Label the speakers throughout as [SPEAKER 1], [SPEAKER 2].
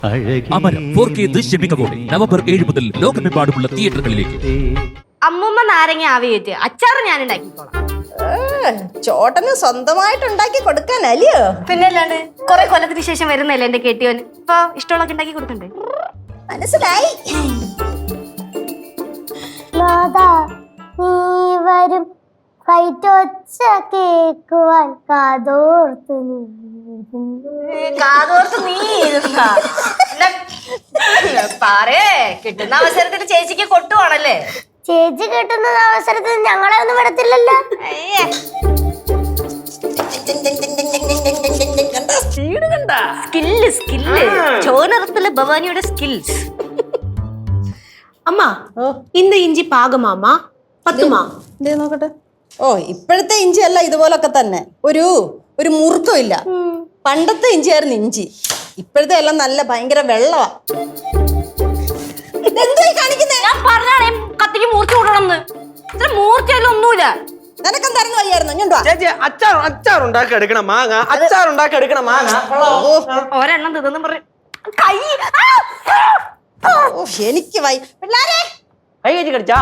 [SPEAKER 1] അമരം 4K ദൃശ്യമികവോടെ November 7 മുതൽ ലോകമെമ്പാടുമുള്ള തിയേറ്ററുകളിലേക്ക്.
[SPEAKER 2] അമ്മൂമ്മ നാരങ്ങ ആവിയേറ്റ് അച്ചാറ് ഞാൻ ഉണ്ടാക്കിക്കോളാം.
[SPEAKER 3] ചോട്ടന് സ്വന്തമായിട്ട് ഉണ്ടാക്കി കൊടുക്കാനല്ലയോ?
[SPEAKER 2] പിന്നെ അല്ലാണ്ട് കുറെ കൊല്ലത്തിന് ശേഷം വരുന്നല്ലേ എന്റെ കെട്ടിയോന്. ഇപ്പൊ ഇഷ്ടമുള്ളൊക്കെ ഉണ്ടാക്കി കൊടുക്കണ്ടേ?
[SPEAKER 3] മനസ്സിലായി.
[SPEAKER 4] വരും കൈറ്റൊച്ച കേക്കുവാൻ കാതോർത്ത്
[SPEAKER 2] നീ പറയേ കിട്ടുന്ന അവസരത്തിൽ ചേച്ചിക്ക് കൊട്ടുവാണല്ലേ?
[SPEAKER 4] ചേച്ചി കിട്ടുന്ന അവസരത്തിൽ ഞങ്ങളെ ഒന്നും വിടത്തില്ലല്ലോ.
[SPEAKER 2] Skill ചോനറത്തിലെ ഭവാനിയുടെ skills.
[SPEAKER 5] அம்மா இந்த இஞ்சி பாகமாமா பத்துமா?
[SPEAKER 3] നോക്കട്ടെ. ഓ ഇപ്പോഴത്തെ ഇഞ്ചി അല്ല ഇതുപോലൊക്കെ തന്നെ. ഒരു മുറുക്കം ഇല്ല. പണ്ടത്തെ ഇഞ്ചിയായിരുന്നു ഇഞ്ചി. ഇപ്പോഴത്തെ എല്ലാം നല്ല ഭയങ്കര വെള്ളവാ.
[SPEAKER 2] ഞാൻ പറഞ്ഞാണേ കത്തിക്ക് മൂർച്ച കൂട്ടണമെന്ന്. ഇത്ര മൂർച്ചയല്ല ഒന്നുമില്ല.
[SPEAKER 3] നിനക്കെന്തായിരുന്നു വയ്യായിരുന്നു?
[SPEAKER 6] അച്ചാറുണ്ടാക്കി എടുക്കണം മാങ്ങ. അച്ചാറുണ്ടാക്കി എടുക്കണം മാങ്ങ.
[SPEAKER 2] ഒരെണ്ണം തിന്നു പറ.
[SPEAKER 3] എനിക്ക് വൈ പിള്ളാരെ
[SPEAKER 6] കൈ കയറ്റി കടിച്ചാ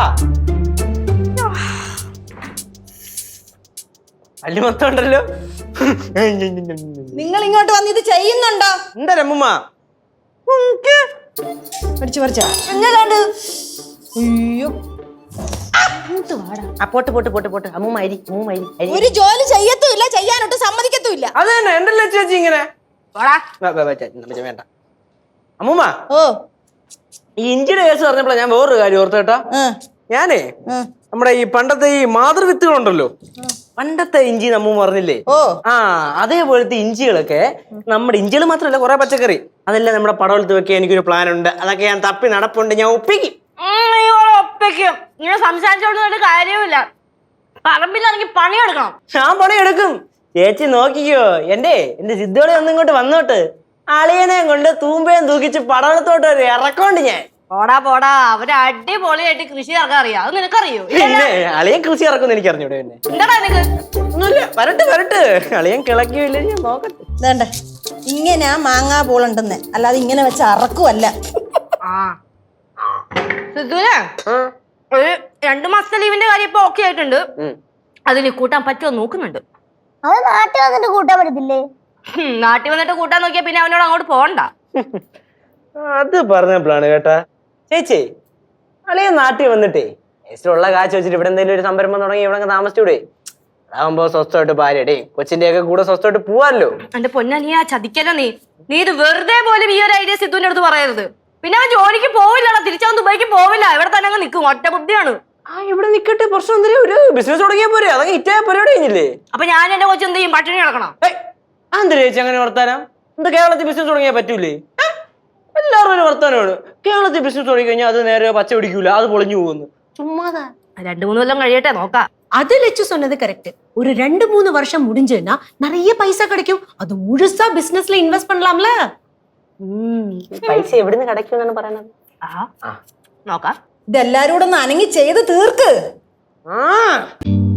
[SPEAKER 6] അല്ലി മൊത്തം ഉണ്ടല്ലോ.
[SPEAKER 3] നിങ്ങൾ ഇങ്ങോട്ട് വന്ന് ഇത് ചെയ്യുന്നുണ്ടോ?
[SPEAKER 6] എന്താ അമ്മൂമ്മ
[SPEAKER 3] പഠിച്ചു പറിച്ചാ?
[SPEAKER 6] പോട്ട് അമ്മൂമ്മ അരി
[SPEAKER 3] ഒരു ജോലി ചെയ്യത്തുമില്ല, ചെയ്യാനൊട്ട് സമ്മതിക്കത്തുമില്ല.
[SPEAKER 6] അത് തന്നെ എന്തല്ലേ ചേച്ചി ഇങ്ങനെ വേണ്ട അമ്മൂമ്മ.
[SPEAKER 3] ഓ
[SPEAKER 6] ഈ ഇഞ്ചിയുടെ കേസ് പറഞ്ഞപ്പോഴാ ഞാൻ വേറൊരു കാര്യം ഓർത്തു കേട്ടാ. ഞാനേ നമ്മുടെ ഈ പണ്ടത്തെ ഈ മാതൃവിത്തുകളുണ്ടല്ലോ, പണ്ടത്തെ ഇഞ്ചി നമ്മ പറഞ്ഞില്ലേ, അതേപോലത്തെ ഇഞ്ചികളൊക്കെ നമ്മുടെ ഇഞ്ചികൾ മാത്രമല്ല കുറെ പച്ചക്കറി അതെല്ലാം നമ്മുടെ പടവലത്ത് വെക്കാൻ എനിക്കൊരു പ്ലാൻ ഉണ്ട്. അതൊക്കെ ഞാൻ തപ്പി നടപ്പുണ്ട്. ഞാൻ ഒപ്പിക്കും.
[SPEAKER 2] ഇങ്ങനെ സംസാരിച്ചോണ്ട് കാര്യമില്ല. പറമ്പിലാണെങ്കിൽ പണിയെടുക്കണം.
[SPEAKER 6] ഞാൻ പണിയെടുക്കും. ചേച്ചി നോക്കിക്കോ. എന്റെ സിദ്ധോളി ഒന്നും ഇങ്ങോട്ട് വന്നോട്ട് അളിയനെയും കൊണ്ട് തൂമ്പയും തൂക്കിച്ച് പടവലത്തോട്ട് ഒരു ഇറക്കോണ്ട് ഞാൻ.
[SPEAKER 2] പോടാ അവര് അടിപൊളിയായിട്ട് കൃഷി ഇറക്കാൻ അറിയാം. അത് നിനക്കറിയോ?
[SPEAKER 6] അളിയൻ കൃഷി ഇറക്കും എനിക്ക് അറിഞ്ഞൂടെ? പിന്നെ
[SPEAKER 2] എന്താടാ നിനക്ക്
[SPEAKER 6] ഒന്നുമില്ല. വരട്ട് അളിയൻ കിളക്കിയില്ലേ ഞാൻ നോക്കട്ടെ.
[SPEAKER 3] വേണ്ട ഇങ്ങനെ മാങ്ങാ പോളുണ്ടെന്ന് അല്ലാതെ ഇങ്ങനെ വെച്ച് അറക്കുമല്ല.
[SPEAKER 2] ഒരു 2 മാസത്തെ ലീവിന്റെ കാര്യം ഇപ്പൊ ഓക്കെ ആയിട്ടുണ്ട്. അതിന് കൂട്ടാൻ പറ്റുമോ നോക്കുന്നുണ്ട്.
[SPEAKER 4] അത് നാട്ടിൽ വന്നിട്ട് കൂട്ടാൻ പറ്റത്തില്ലേ?
[SPEAKER 2] നാട്ടിൽ വന്നിട്ട് കൂട്ടാൻ നോക്കിയാ പിന്നെ അവനോട് അങ്ങോട്ട് പോകണ്ട.
[SPEAKER 6] അത് പറഞ്ഞപ്പോഴാണ് കേട്ടാ ചേച്ചി, അളിയൻ നാട്ടിൽ വന്നിട്ടേ ഉള്ള കാശ് വെച്ചിട്ട് ഇവിടെ എന്തെങ്കിലും ഒരു സംരംഭം തുടങ്ങി ഇവിടെ താമസിച്ചൂടെ? അതാകുമ്പോ സ്വസ്ഥമായിട്ട് ഭാര്യയുടെ കൊച്ചിന്റെ ഒക്കെ കൂടെ സ്വസ്ഥമായിട്ട് പോവാല്ലോ.
[SPEAKER 2] എന്റെ പൊന്നാ നീ ആ ചതിക്കല്ലോ. നീ ഇത് വെറുതെ പോലും ഈ ഒരു ഐഡിയ സിദ്ധുവിന്റെ അടുത്ത് പറയരുത്. പിന്നെ അവൻ ജോലിക്ക് പോവില്ലടാ, തിരിച്ചവൻ ദുബായിക്ക് പോവില്ല. ഇവിടെ തന്നെ അങ്ങ് നിൽക്കും. ഒറ്റ ബുദ്ധിയാണ്.
[SPEAKER 6] ഇവിടെ നിക്കട്ടെ, പ്രശ്നം എന്തെങ്കിലും ഒരു ബിസിനസ് തുടങ്ങിയാ പോരെ? അതൊക്കെ ഹിറ്റായ പരിപാടി കഴിഞ്ഞില്ലേ?
[SPEAKER 2] അപ്പൊ ഞാൻ എന്റെ കൊച്ചു എന്ത് ചെയ്യും? പട്ടിണി കിടക്കണം.
[SPEAKER 6] എന്താ ചേച്ചി അങ്ങനെ വർത്താനം? എന്താ കേരളത്തിൽ ബിസിനസ് തുടങ്ങിയാൽ പറ്റൂലേ? എല്ലാവരും ഒരു വർത്താനമാണ്. കേരളത്തിൽ ബിസിനസ് തുടങ്ങി കഴിഞ്ഞാൽ അത് നേരെ പച്ച പിടിക്കൂല, അത് പൊളിഞ്ഞു പോകുന്നു. ചുമ്മാതാ.
[SPEAKER 2] 2-3 കൊല്ലം കഴിയട്ടെ നോക്കാം.
[SPEAKER 5] அது லட்சு சொன்னது கரெக்ட். ஒரு 2-3 வருஷம் முடிஞ்சுன்னா நிறைய பைசா கிடைக்கும். அது முழுசா பிசினஸ்ல இன்வெஸ்ட் பண்ணலாம்ல.
[SPEAKER 6] പൈസ എവിടുന്ന് கிடைக்கும்ന്നാണ് പറയണത്.
[SPEAKER 2] നോക്കാം.
[SPEAKER 3] ഇതെല്ലാരും കൂടെ ഒന്ന് അനങ്ങി ചെയ്ത് തീർക്ക്.